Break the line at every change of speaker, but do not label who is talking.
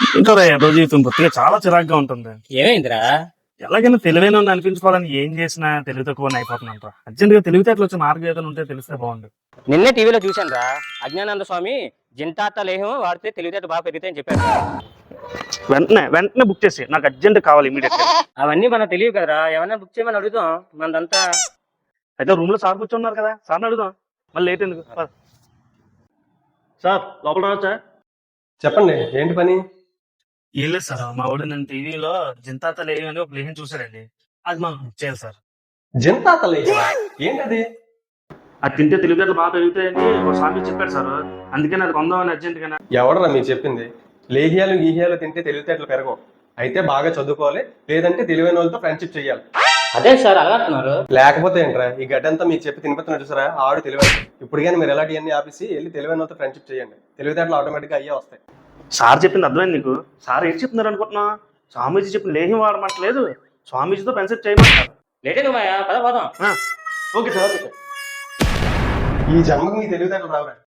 ఇంకా రోజు జీవితం బొత్తిగా చాలా చిరాగ్గా ఉంటుంది.
ఏమైందిరా?
ఎలాగైనా తెలివైన అనిపించుకోవాలని ఏం చేసినా తెలివి తక్కువ అయిపోతుందంట. అర్జెంట్ గా తెలివితేటలు వచ్చే మార్గం ఏదైనా ఉంటే తెలిస్తే బాగుండు.
నిన్నే టీవీలో చూశాను రా. అజ్ఞానంద స్వామి జింతాత లేహం వాడితే తెలివితేట బాగా పెరుగుతాయని చెప్పారు.
వెంటనే బుక్ చేసి నాకు అర్జెంట్ కావాలి ఇమీడియట్ గా.
అవన్నీ మనకు తెలియదు కదరా. ఏమన్నా బుక్ చేయమని అడుగుతాం. మనదంతా
అయితే రూమ్ లో సార్ కూర్చున్నారు కదా, సార్ని అడుగుదాం. మళ్ళీ లేట్ ఎందుకు? సార్ లోపల రావచ్చా?
చెప్పండి, ఏంటి పని?
ఏం లేదు సార్, మా వాడు నేను టీవీలో జింతాత లేహం అని ఒక లేహం చూసాడండి. అది మాకు బుక్ చేయాలి సార్.
జింతాతలే ఏంటది?
అది తింటే తెలివితేటలు బాగా పెరుగుతాయని ఒక స్వామి చెప్పాడు సార్. అందుకని అది కొందామని అర్జెంట్ గా.
ఎవడరా మీరు చెప్పింది? లేహ్యాలు గీహ్యాలు తింటే తెలివితేటలు పెరగవు. అయితే బాగా చదువుకోవాలి, లేదంటే తెలివైన వాళ్ళతో ఫ్రెండ్షిప్ చేయాలి.
అదే సార్ అలవాటున్నారు.
లేకపోతే ఏంట్రా ఈ గడ్డంతా మీకు చెప్పి తినిపిస్తున్నా చూసారా, ఆడు తెలివైన. ఇప్పుడు కానీ మీరు ఎలాంటివన్నీ ఆపేసి వెళ్ళి తెలివైన వాళ్ళతో ఫ్రెండ్షిప్ చేయండి. తెలివితేటలు ఆటోమేటిక్గా అయ్యే వస్తాయి.
సార్ చెప్పింది అర్థమైంది నీకు? సార్ ఏం చెప్తున్నారు అనుకుంటున్నా? స్వామీజీ చెప్పిన లేహ్యం వాడమంటలేదు, స్వామీజీతో ఫ్రెండ్షిప్ చేయమంటారు.
లేటే నువ్వు పద పోదాం.
Okay sir, okay sir.
ఈ జన్మకు మీ తెలివితేటలు రావురా.